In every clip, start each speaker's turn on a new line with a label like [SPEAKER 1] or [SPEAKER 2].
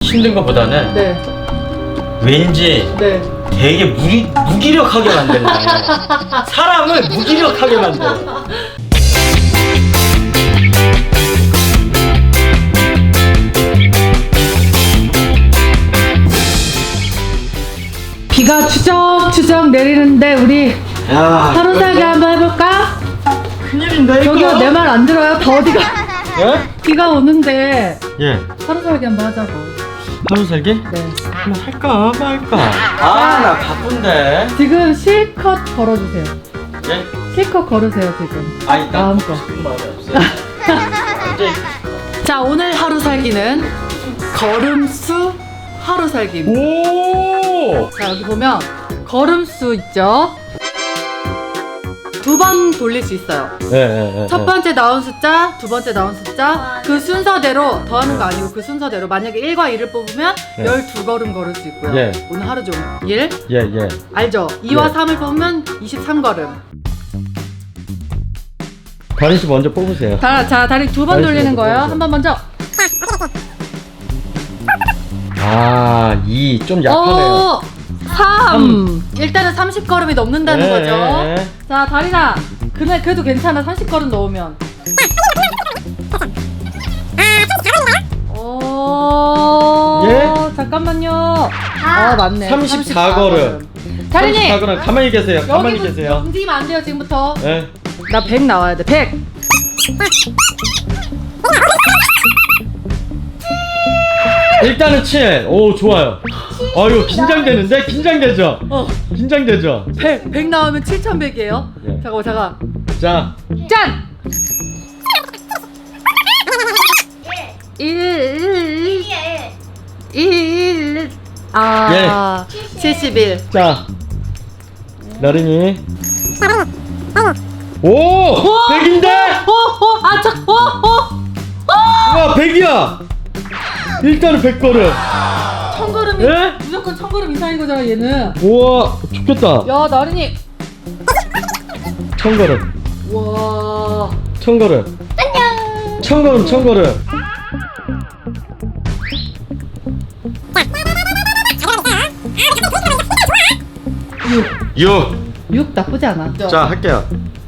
[SPEAKER 1] 힘든 것보다는
[SPEAKER 2] 네.
[SPEAKER 1] 왠지
[SPEAKER 2] 네.
[SPEAKER 1] 되게 무기력하게 만드네. 사람을 무기력하게 만들어.
[SPEAKER 2] 비가 추적추적 내리는데 우리
[SPEAKER 1] 야,
[SPEAKER 2] 하루 살기 한번 해볼까?
[SPEAKER 1] 큰일인데 이거.
[SPEAKER 2] 저기요, 내 말 안 들어요? 더 어디가?
[SPEAKER 1] 예?
[SPEAKER 2] 비가 오는데
[SPEAKER 1] 예.
[SPEAKER 2] 하루 살기 한번 하자고.
[SPEAKER 1] 하루 살기?
[SPEAKER 2] 네.
[SPEAKER 1] 그럼 할까 말까? 아, 나 바쁜데.
[SPEAKER 2] 지금 실컷 걸어주세요.
[SPEAKER 1] 예?
[SPEAKER 2] 실컷 걸으세요 지금.
[SPEAKER 1] 아니, 나
[SPEAKER 2] 마음껏.
[SPEAKER 1] 싶은 마음이 없어요. 이제
[SPEAKER 2] 자, 오늘 하루 살기는 걸음수 하루 살기입니다.
[SPEAKER 1] 오!
[SPEAKER 2] 자, 여기 보면 걸음수 있죠? 2번 돌릴 수 있어요.
[SPEAKER 1] 예.
[SPEAKER 2] 첫 번째 나온 숫자, 두 번째 나온 숫자, 그 순서대로 더하는 거 아니고 그 순서대로 만약에 1과 2를 뽑으면
[SPEAKER 1] 네.
[SPEAKER 2] 12걸음 걸을 수 있고요.
[SPEAKER 1] 예.
[SPEAKER 2] 오늘 하루 종일.
[SPEAKER 1] 예.
[SPEAKER 2] 알죠? 2와
[SPEAKER 1] 예.
[SPEAKER 2] 3을 뽑으면 23걸음.
[SPEAKER 1] 다리 씨 먼저 뽑으세요.
[SPEAKER 2] 자, 다리 2번
[SPEAKER 1] 다리
[SPEAKER 2] 돌리는
[SPEAKER 1] 먼저
[SPEAKER 2] 거예요.
[SPEAKER 1] 뽑으세요.
[SPEAKER 2] 한 번 먼저.
[SPEAKER 1] 아, 2 좀 약하네요.
[SPEAKER 2] 3. 일단은 30걸음이 넘는다는
[SPEAKER 1] 예,
[SPEAKER 2] 거죠.
[SPEAKER 1] 예.
[SPEAKER 2] 자, 다리나. 그래도 괜찮아. 30걸음 넣으면.
[SPEAKER 1] 예?
[SPEAKER 2] 잠깐만요. 아, 맞네.
[SPEAKER 1] 34걸음.
[SPEAKER 2] 다리님.
[SPEAKER 1] 34걸음. 가만히 계세요. 가만히
[SPEAKER 2] 여기
[SPEAKER 1] 계세요.
[SPEAKER 2] 움직이면 안 돼요, 지금부터.
[SPEAKER 1] 예.
[SPEAKER 2] 나 100 나와야 돼. 100.
[SPEAKER 1] 일단은 7. 오, 좋아요. 아유, 긴장되는데? 긴장되죠? 긴장되죠?
[SPEAKER 2] 100 나오면 7,100이에요.
[SPEAKER 1] 예.
[SPEAKER 2] 잠깐.
[SPEAKER 1] 자,
[SPEAKER 2] 짠! 1 71.
[SPEAKER 1] 자. 나린이. 오! 100인데? 와, 100이야! 일단은 100걸음.
[SPEAKER 2] 1000걸음이
[SPEAKER 1] 예?
[SPEAKER 2] 무조건 1000걸음 이상인 거잖아, 얘는.
[SPEAKER 1] 우와, 좋겠다.
[SPEAKER 2] 야, 나린이.
[SPEAKER 1] 1000걸음.
[SPEAKER 2] 와.
[SPEAKER 1] 1000걸음. 1000걸음. 6.
[SPEAKER 2] 6 나쁘지 않아.
[SPEAKER 1] 자, 할게요.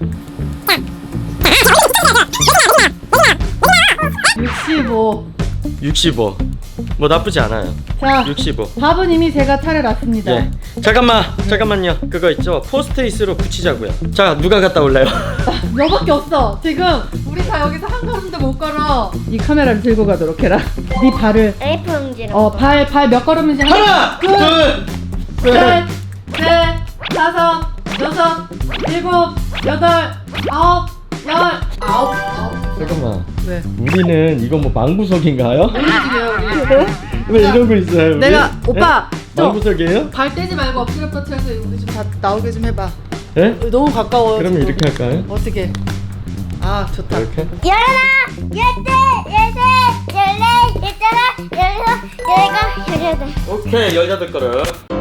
[SPEAKER 2] 65.
[SPEAKER 1] 65. 뭐 나쁘지 않아요.
[SPEAKER 2] 자,
[SPEAKER 1] 65.
[SPEAKER 2] 밥은 이미 제가 차려놨습니다.
[SPEAKER 1] 예. 잠깐만요. 그거 있죠? 포스트잇으로 붙이자고요. 자, 누가 갔다 올래요?
[SPEAKER 2] 너밖에 없어. 지금 우리 다 여기서 한 걸음도 못 걸어. 이 카메라를 들고 가도록 해라. 네 발을.
[SPEAKER 3] A4 용지로.
[SPEAKER 2] 발 몇 걸음인지
[SPEAKER 1] 하나, 둘,
[SPEAKER 2] 셋, 넷, 다섯, 여섯, 일곱, 여덟, 아홉, 열, 아홉.
[SPEAKER 1] 잠깐만.
[SPEAKER 2] 왜?
[SPEAKER 1] 우리는 이거 뭐 망구석인가요?
[SPEAKER 2] 움직여요, 우리.
[SPEAKER 1] 왜 이러고 있어요? 우리?
[SPEAKER 2] 내가 오빠
[SPEAKER 1] 네?
[SPEAKER 2] 좀
[SPEAKER 1] 망구석이에요?
[SPEAKER 2] 발 떼지 말고 엎드려 뻗쳐서 여기 좀 다 나오게 좀 해봐.
[SPEAKER 1] 예?
[SPEAKER 2] 너무 가까워.
[SPEAKER 1] 그러면 이렇게 할까요?
[SPEAKER 2] 어떻게? 아, 좋다.
[SPEAKER 1] 이렇게?
[SPEAKER 3] 열하나, 열둘, 열셋, 열넷, 열다섯, 열여섯, 열일곱, 열여덟.
[SPEAKER 1] 오케이, 18걸음.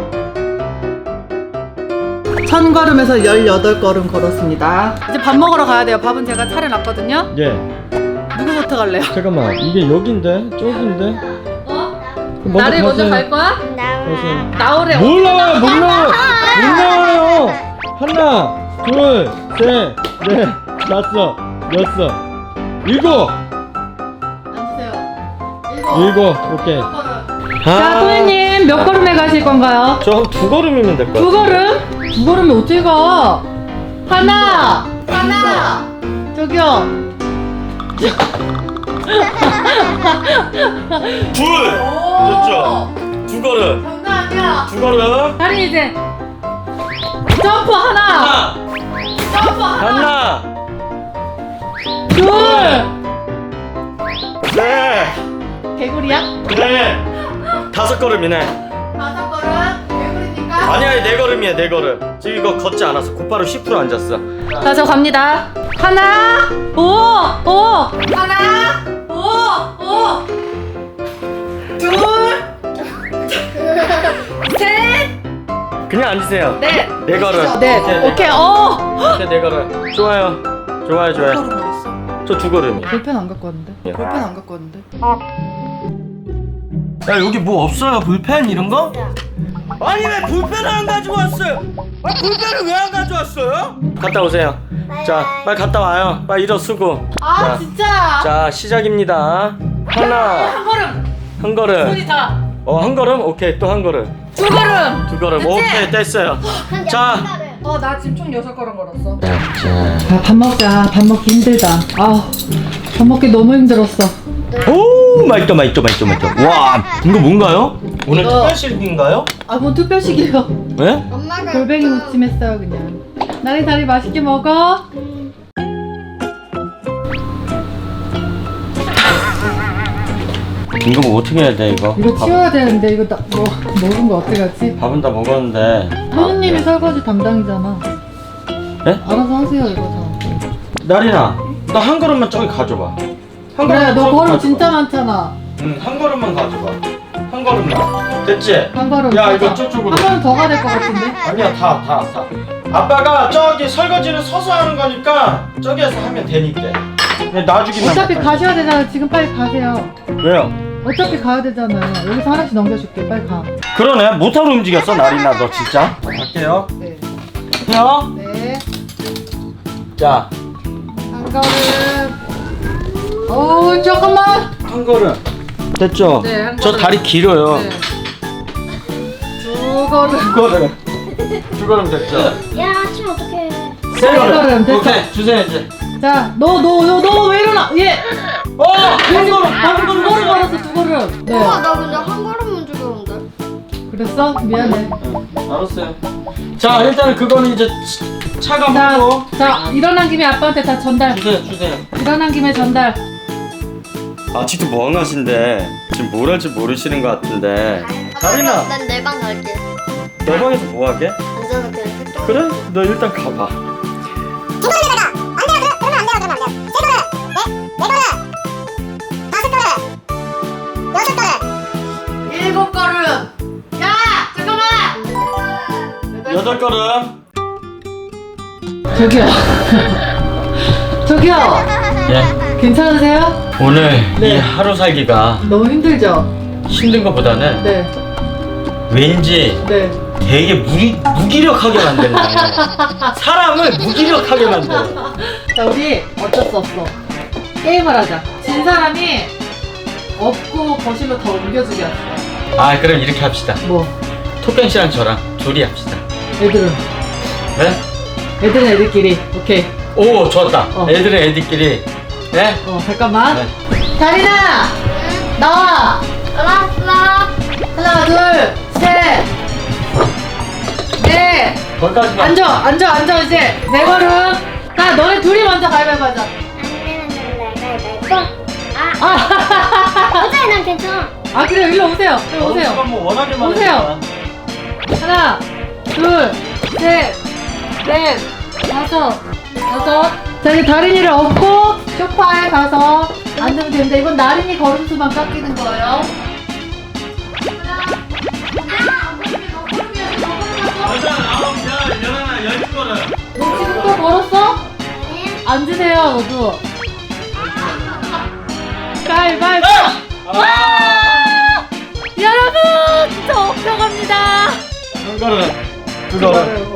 [SPEAKER 2] 1000걸음에서 18걸음 걸었습니다. 이제 밥 먹으러 가야 돼요. 밥은 제가 차려놨거든요.
[SPEAKER 1] 예.
[SPEAKER 2] 누구부터 갈래요?
[SPEAKER 1] 잠깐만, 이게 여긴데? 저긴데?
[SPEAKER 2] 어?
[SPEAKER 1] 그럼
[SPEAKER 2] 나를 먼저
[SPEAKER 1] 가세요.
[SPEAKER 2] 갈 거야?
[SPEAKER 3] 나오나.
[SPEAKER 2] 나오래.
[SPEAKER 1] 몰라요. 못 나와요. 하나, 둘, 셋, 넷, 다섯, 여섯, 일곱.
[SPEAKER 2] 앉으세요.
[SPEAKER 1] 일곱. 오케이.
[SPEAKER 2] 자, 소희님 몇 걸음에 가실 건가요?
[SPEAKER 1] 저 한 2걸음이면 될 것 같아요.
[SPEAKER 2] 2걸음? 2걸음에 어떻게 가? 하나! 저기요.
[SPEAKER 1] 둘! 됐죠? 2걸음.
[SPEAKER 2] 장난 아니야.
[SPEAKER 1] 2걸음.
[SPEAKER 2] 다리 이제 점프 하나. 점프
[SPEAKER 1] 하나,
[SPEAKER 2] 둘.
[SPEAKER 1] 셋,
[SPEAKER 2] 개구리야?
[SPEAKER 1] 넷, 5걸음이네.
[SPEAKER 2] 5걸음? 개구리니까?
[SPEAKER 1] 아니야, 4걸음이야, 4걸음. 지금 이거 걷지 않았어. 곧바로 10% 앉았어.
[SPEAKER 2] 자, 저 갑니다. 하나, 오, 하나, 오, 둘, 셋,
[SPEAKER 1] 그냥 앉으세요.
[SPEAKER 2] 넷.
[SPEAKER 1] 4걸음.
[SPEAKER 2] 네, 오케이,
[SPEAKER 1] 오케이, 4걸음. 좋아요. 좋아요.
[SPEAKER 2] 걸음 어딨어?
[SPEAKER 1] 저 2걸음이요.
[SPEAKER 2] 볼펜 안 갖고 왔는데?
[SPEAKER 1] 예.
[SPEAKER 2] 볼펜 안 갖고 왔는데?
[SPEAKER 1] 야 여기 뭐 없어요? 볼펜 이런 거? 아니 왜 볼펜을 안 가지고 왔어요? 아 볼펜을 왜 안 가져왔어요? 갔다 오세요. 자 빨리 갔다 와요. 빨리 일어서고.
[SPEAKER 2] 아
[SPEAKER 1] 자,
[SPEAKER 2] 진짜.
[SPEAKER 1] 자 시작입니다. 하나
[SPEAKER 2] 한 걸음.
[SPEAKER 1] 한 걸음.
[SPEAKER 2] 손이 다.
[SPEAKER 1] 한 걸음? 오케이 또 한 걸음.
[SPEAKER 2] 두 걸음.
[SPEAKER 1] 두 걸음.
[SPEAKER 2] 됐지?
[SPEAKER 1] 오케이 됐어요. 자.
[SPEAKER 2] 나 지금 총 6걸음 걸었어. 밥 먹자. 밥 먹기 힘들다. 밥 먹기 너무 힘들었어.
[SPEAKER 1] 오 맛있다. 와 이거 뭔가요? 오늘
[SPEAKER 2] 이거-
[SPEAKER 1] 특별식인가요?
[SPEAKER 2] 뭔 특별식이에요.
[SPEAKER 1] 네?
[SPEAKER 3] 엄마가
[SPEAKER 2] 골뱅이 무침 했어요 그냥. 나리 다리 맛있게 먹어.
[SPEAKER 1] 이거 뭐 어떻게 해야 돼 이거?
[SPEAKER 2] 이거 치워야 되는데 이거 먹은 거 어떡하지?
[SPEAKER 1] 밥은 다 먹었는데.
[SPEAKER 2] 현우님이 설거지 담당이잖아.
[SPEAKER 1] 네?
[SPEAKER 2] 알아서 하세요 이거 다.
[SPEAKER 1] 나리나 너 한 걸음만 저기 가져봐. 한
[SPEAKER 2] 그래 너
[SPEAKER 1] 저기
[SPEAKER 2] 걸음
[SPEAKER 1] 가져봐.
[SPEAKER 2] 진짜 많잖아.
[SPEAKER 1] 한 걸음만 가져봐. 한 걸음만. 됐지?
[SPEAKER 2] 한 걸음.
[SPEAKER 1] 야,
[SPEAKER 2] 가자.
[SPEAKER 1] 이거 저쪽으로.
[SPEAKER 2] 한 걸음 더 가야 될 것 같은데.
[SPEAKER 1] 아니야 다. 아빠가 저기 설거지는 서서 하는 거니까 저기에서 하면 되니까. 그냥 놔주기만.
[SPEAKER 2] 어차피
[SPEAKER 1] 해.
[SPEAKER 2] 가셔야 되잖아. 지금 빨리 가세요.
[SPEAKER 1] 왜요?
[SPEAKER 2] 어차피 가야 되잖아요. 여기서 하나씩 넘겨줄게. 빨리 가.
[SPEAKER 1] 그러네 못하러 움직였어 나리나 너 진짜. 갈게요.
[SPEAKER 2] 네.
[SPEAKER 1] 해요.
[SPEAKER 2] 네.
[SPEAKER 1] 자.
[SPEAKER 2] 한 걸음. 어우 잠깐만.
[SPEAKER 1] 한 걸음. 됐죠?
[SPEAKER 2] 네, 한
[SPEAKER 1] 저
[SPEAKER 2] 걸음.
[SPEAKER 1] 다리 길어요.
[SPEAKER 2] 네. 두 걸음.
[SPEAKER 1] 두 걸음. 두 걸음 됐죠?
[SPEAKER 3] 야 아침 어떡해.
[SPEAKER 1] 세
[SPEAKER 2] 걸음 됐어.
[SPEAKER 1] 오케이 주세요 이제.
[SPEAKER 2] 자, 너 왜 일어나? 예.
[SPEAKER 1] 한 걸음.
[SPEAKER 2] 한 걸음 걸었어. 두 걸음. 네.
[SPEAKER 3] 나 근데 한 걸음만 죽였는데.
[SPEAKER 2] 그랬어? 미안해.
[SPEAKER 1] 알았어요. 자 일단은 그거는 이제 차가
[SPEAKER 2] 자,
[SPEAKER 1] 먹고.
[SPEAKER 2] 자 일어난 김에 아빠한테 다 전달.
[SPEAKER 1] 주세요.
[SPEAKER 2] 일어난 김에 전달.
[SPEAKER 1] 아직도 멍하신데 지금 뭘 할지 모르시는 것 같은데. 다리나
[SPEAKER 3] 난내 방 갈게.
[SPEAKER 1] 내 방에서 뭐 하게?
[SPEAKER 3] 앉아서 그냥 색깔.
[SPEAKER 1] 그래? 너 일단 가봐.
[SPEAKER 2] 일곱 걸음. 야, 잠깐만.
[SPEAKER 1] 여덟 걸음.
[SPEAKER 2] 저기요. 저기요.
[SPEAKER 1] 예.
[SPEAKER 2] 괜찮으세요?
[SPEAKER 1] 오늘
[SPEAKER 2] 네.
[SPEAKER 1] 이 하루 살기가
[SPEAKER 2] 너무 힘들죠?
[SPEAKER 1] 힘든 것보다는
[SPEAKER 2] 네.
[SPEAKER 1] 왠지
[SPEAKER 2] 네.
[SPEAKER 1] 되게 무기력하게 만드네. 사람을 무기력하게 만들어.
[SPEAKER 2] 자, 우리 어쩔 수 없어. 게임을 하자. 진 사람이 업고 거실로 더 옮겨주게 합시다.
[SPEAKER 1] 아 그럼 이렇게 합시다.
[SPEAKER 2] 뭐?
[SPEAKER 1] 토끼 씨랑 저랑 둘이 합시다.
[SPEAKER 2] 애들은?
[SPEAKER 1] 네?
[SPEAKER 2] 애들은 애들끼리. 오케이.
[SPEAKER 1] 오 좋았다.
[SPEAKER 2] 어.
[SPEAKER 1] 애들은 애들끼리. 네?
[SPEAKER 2] 잠깐만.
[SPEAKER 1] 네.
[SPEAKER 2] 다리나! 나와!
[SPEAKER 3] 알았어.
[SPEAKER 2] 하나, 둘, 셋! 넷!
[SPEAKER 1] 거기까지만.
[SPEAKER 2] 앉아, 이제. 네 걸음. 자, 너네 둘이 먼저 가위바위보 하자.
[SPEAKER 3] 어차피 난 괜찮아.
[SPEAKER 2] 그래요. 일로 오세요. 일로 오세요.
[SPEAKER 1] 뭐 원하게만
[SPEAKER 2] 오세요.
[SPEAKER 1] 해봐.
[SPEAKER 2] 하나, 둘, 셋, 넷, 다섯. 자, 이제 다린이를 업고 소파에 가서 앉으면 되는데 이건 나린이 걸음수만 깎이는 거예요. 너 지금 또 걸었어? 앉으세요, 너도. 가위바위보! 여러분! 저 업혀갑니다!
[SPEAKER 1] 한 걸음. 두 걸음.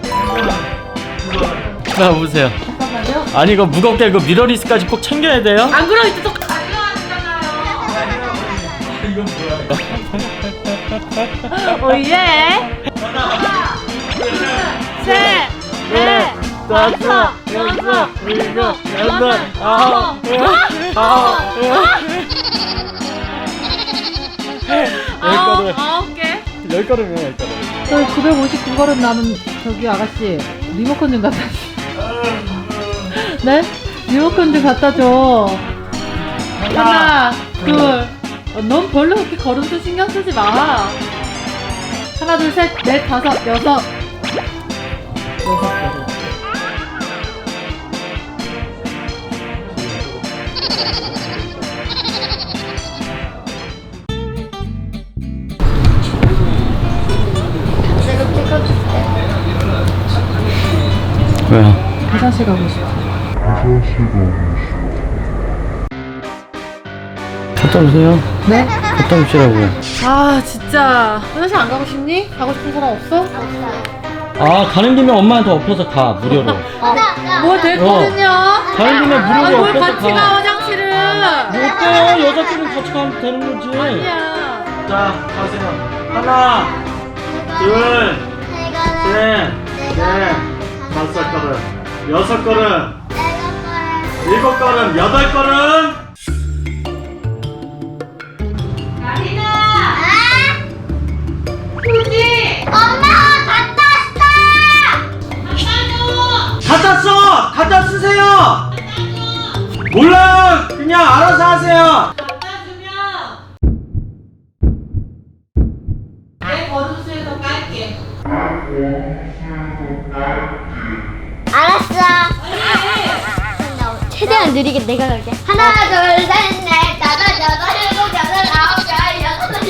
[SPEAKER 1] 나 보세요.
[SPEAKER 2] 잠깐만요.
[SPEAKER 1] 아니 이거 무겁게 이거 미러리스까지 꼭 챙겨야 돼요?
[SPEAKER 2] 안 그러면 이제 또 가져가잖아요.
[SPEAKER 1] 이건 뭐야?
[SPEAKER 2] 오예! 하나, 둘, 셋, 넷, 다섯, 여섯, 일곱, 여덟, 아홉, 아홉 개.
[SPEAKER 1] 10걸음이야 10걸음.
[SPEAKER 2] 저 959걸음 남은 저기 아가씨 리모컨 좀 갖다 줘. 네? 리모컨 좀 갖다 줘. 하나, 둘. 넌 별로 그렇게 걸음수 신경 쓰지 마. 하나, 둘, 셋, 넷, 다섯, 여섯. 6걸음.
[SPEAKER 3] 내가 찍어줄게.
[SPEAKER 1] 왜요?
[SPEAKER 2] 화장실 가고 싶어.
[SPEAKER 1] 갔다 오세요.
[SPEAKER 2] 네?
[SPEAKER 1] 갔다 오시라고요.
[SPEAKER 2] 아 진짜 화장실 안 가고 싶니? 가고 싶은 사람 없어?
[SPEAKER 1] 아, 가는 김에 엄마한테 엎어서 가, 무료로.
[SPEAKER 2] 뭐 됐거든요.
[SPEAKER 1] 가는 김에
[SPEAKER 2] 아니
[SPEAKER 1] 무료로
[SPEAKER 2] 뭘
[SPEAKER 1] 엎어서
[SPEAKER 2] 같이 가
[SPEAKER 1] 가.
[SPEAKER 2] 화장실을.
[SPEAKER 1] 뭐 어때요? 여자끼리 같이 가면 되는 거지.
[SPEAKER 2] 아니야.
[SPEAKER 1] 자, 가세요. 하나, 둘, 셋, 넷, 다섯 걸음, 여섯 걸음, 일곱 걸음, 여덟 걸음. 갖다 써! 갖다 쓰세요! 몰라! 그냥 알아서 하세요!
[SPEAKER 2] 내 걸음수에서 깔게.
[SPEAKER 3] 알았어. 최대한 느리게 내가 갈게. 하나, 둘, 셋, 넷, 다섯, 여섯, 일곱, 여덟, 아홉, 열, 여섯,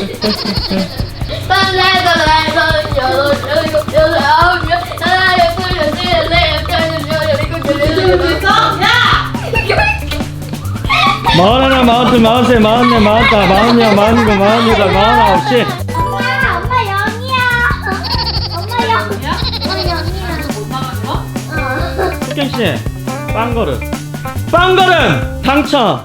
[SPEAKER 3] 일곱, 여덟, 아홉, 열, 하나, 둘, 셋, 넷, 다섯, 여섯, 일곱, 여덟,
[SPEAKER 1] 마흔하나, 마흔둘, 마흔셋, 마흔넷, 마흔다, 마흔여, 마흔일곱, 마흔여덟, 마흔아홉, 씨.
[SPEAKER 3] 엄마 영이야. 엄마 영. 엄마 영이야.
[SPEAKER 1] 흑경씨, 빵걸음. 빵걸음! 당첨!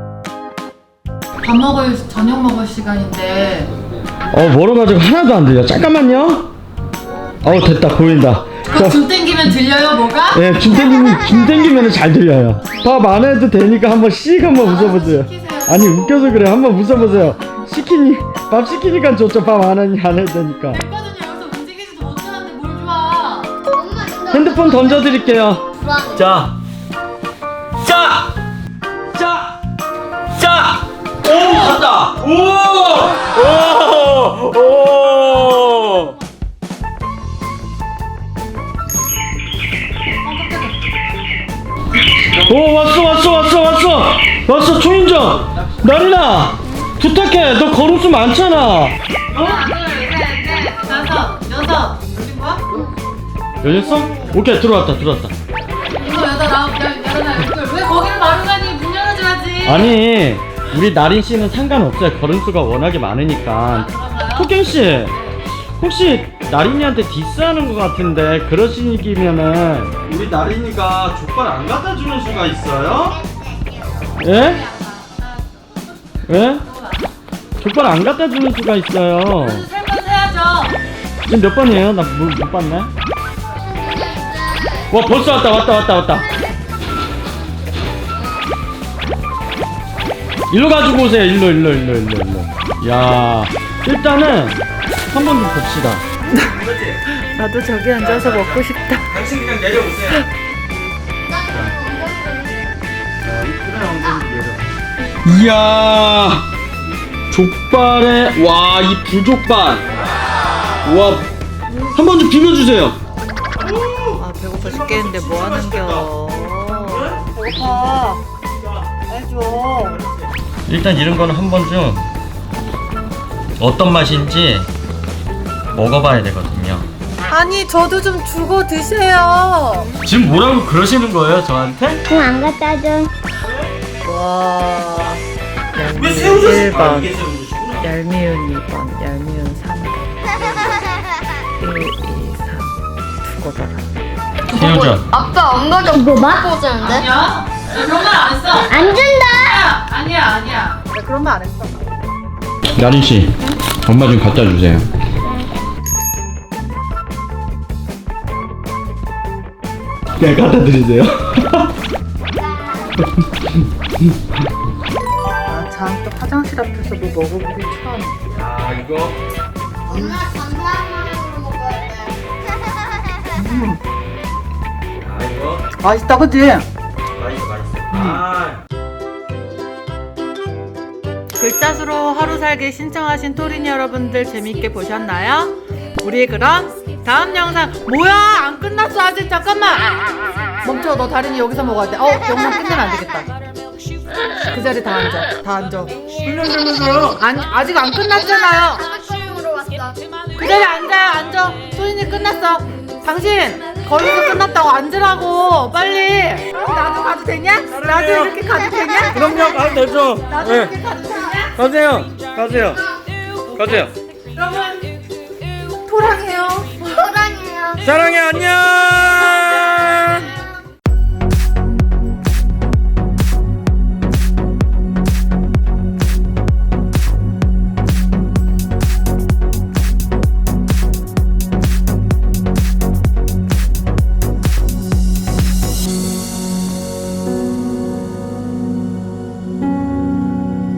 [SPEAKER 2] 밥 먹을 저녁 먹을 시간인데.
[SPEAKER 1] 멀어가지고 하나도 안 들려. 잠깐만요. 됐다. 보인다.
[SPEAKER 2] 그거 줌 땡기면 들려요 뭐가?
[SPEAKER 1] 예, 줌 땡기면 잘 들려요. 밥 안 해도 되니까 한번 한번 웃어보세요. 아니, 웃겨서 그래. 한번 웃어보세요. 밥 시키니까 좋죠. 밥 안 해도 되니까.
[SPEAKER 2] 됐거든요. 여기서 움직이지도 못하는데 뭘 좋아.
[SPEAKER 3] 엄마 진짜
[SPEAKER 1] 핸드폰 던져드릴게요.
[SPEAKER 3] 불안해.
[SPEAKER 1] 자. 오, 갔다. 오. 오, 왔어. 초인종. 나리나, 부탁해. 너 걸음수 많잖아.
[SPEAKER 2] 하나, 둘, 셋, 넷, 다섯, 여섯. 열린 거야?
[SPEAKER 1] 열렸어? 오케이, 들어왔다.
[SPEAKER 2] 이거 여덟, 아홉, 열, 열하나, 열둘. 왜 거기를 바로 가니? 문 열어줘야지.
[SPEAKER 1] 아니, 우리 나린 씨는 상관없어요. 걸음수가 워낙에 많으니까.
[SPEAKER 2] 그런가요?
[SPEAKER 1] 토경 씨, 혹시 나린이한테 디스하는 것 같은데 그러시기면은 우리 나린이가 족발 안 갖다 주는 수가 있어요? 예? 예? 족발 안 갖다 주는 수가 있어요.
[SPEAKER 2] 살면 해야죠.
[SPEAKER 1] 지금 몇 번이에요? 나 못 봤네. 와, 벌써 왔다. 일로 가지고 오세요. 일로. 야, 일단은 한 번 좀 봅시다.
[SPEAKER 2] 나도 저기 앉아서 먹고 싶다.
[SPEAKER 1] 당신 그냥 내려오세요. 이야, 족발에 와, 이 부족발. 와, 한 번 좀 비벼주세요.
[SPEAKER 2] 아 배고파 죽겠는데 뭐 하는겨. 배고파. 해줘.
[SPEAKER 1] 일단 이런 거는 한 번 좀 어떤 맛인지 먹어봐야 되거든요.
[SPEAKER 2] 아니 저도 좀 주고 드세요.
[SPEAKER 1] 지금 뭐라고 그러시는 거예요, 저한테?
[SPEAKER 3] 안 갖다 줘.
[SPEAKER 2] 와.
[SPEAKER 1] 왜 세우셨어요? 이게 세우셨구나.
[SPEAKER 2] 얄미운 2번, 얄미운 3번. 1, 2, 3. 두고 봐라.
[SPEAKER 1] 새우젓.
[SPEAKER 3] 아빠 안 가져. 이거 봐? 보자는데?
[SPEAKER 2] 아니야. 그런 말 안 했어.
[SPEAKER 3] 안 준다.
[SPEAKER 2] 아니야. 나 그런 말 안 했어.
[SPEAKER 1] 나린 씨, 엄마 좀 갖다 주세요. 네, 갖다 드리세요.
[SPEAKER 2] 아, 참 또 화장실 앞에서 뭐 먹어보기 처음.
[SPEAKER 1] 아, 이거.
[SPEAKER 3] 엄마 감사함으로 먹어야 돼.
[SPEAKER 1] 아, 이거.
[SPEAKER 2] 맛있다, 그치?
[SPEAKER 1] 맛있어. 아.
[SPEAKER 2] 글자수로 하루 살기 신청하신 토린 여러분들 재밌게 보셨나요? 우리 그럼 다음 영상 뭐야 안 끝났어 아직 잠깐만 멈춰 너 다린이 여기서 먹어야 돼 영상 끝내면 안 되겠다 그 자리에 다 앉아
[SPEAKER 1] 훈련되면서요.
[SPEAKER 2] 아니 아직 안 끝났잖아요
[SPEAKER 3] 수영으로 왔어.
[SPEAKER 2] 그 자리에 앉아 토린이 끝났어 당신 거기서 끝났다고 앉으라고 빨리 나도 가도 되냐? 나도 이렇게 가도 되냐?
[SPEAKER 1] 그럼요, 가도 되죠.
[SPEAKER 2] 나도
[SPEAKER 1] 네.
[SPEAKER 2] 이렇게 가도 되냐?
[SPEAKER 1] 가세요. 가세요. 가세요.
[SPEAKER 2] 여러분 토랑해요.
[SPEAKER 3] 사랑해요.
[SPEAKER 1] 사랑해, 안녕.